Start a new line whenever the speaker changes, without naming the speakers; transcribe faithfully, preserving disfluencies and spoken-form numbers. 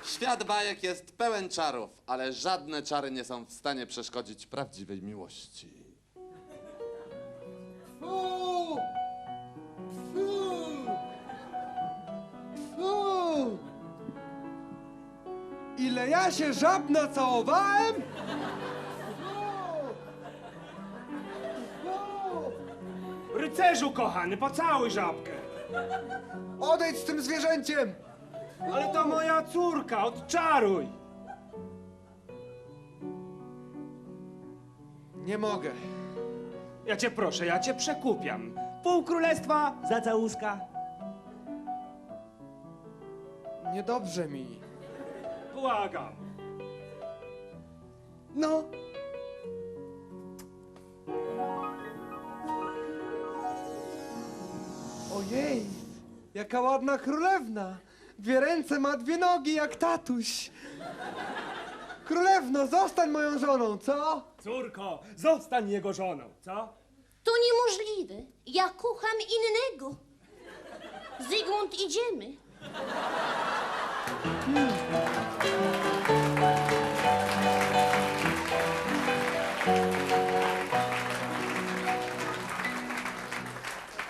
Świat bajek jest pełen czarów, ale żadne czary nie są w stanie przeszkodzić prawdziwej miłości.
Fu! Fu! Fu! Ile ja się żab nacałowałem?
Rycerzu kochany, pocałuj żabkę.
Odejdź z tym zwierzęciem!
Ale to moja córka, odczaruj.
Nie mogę.
Ja cię proszę, ja cię przekupiam. Pół królestwa za całuska.
Niedobrze mi.
Błagam.
No. Ojej, jaka ładna królewna. Dwie ręce ma, dwie nogi jak tatuś. Królewno, zostań moją żoną, co?
Córko, zostań jego żoną, co?
To niemożliwe. Ja kocham innego. Zygmunt, idziemy.
Hmm.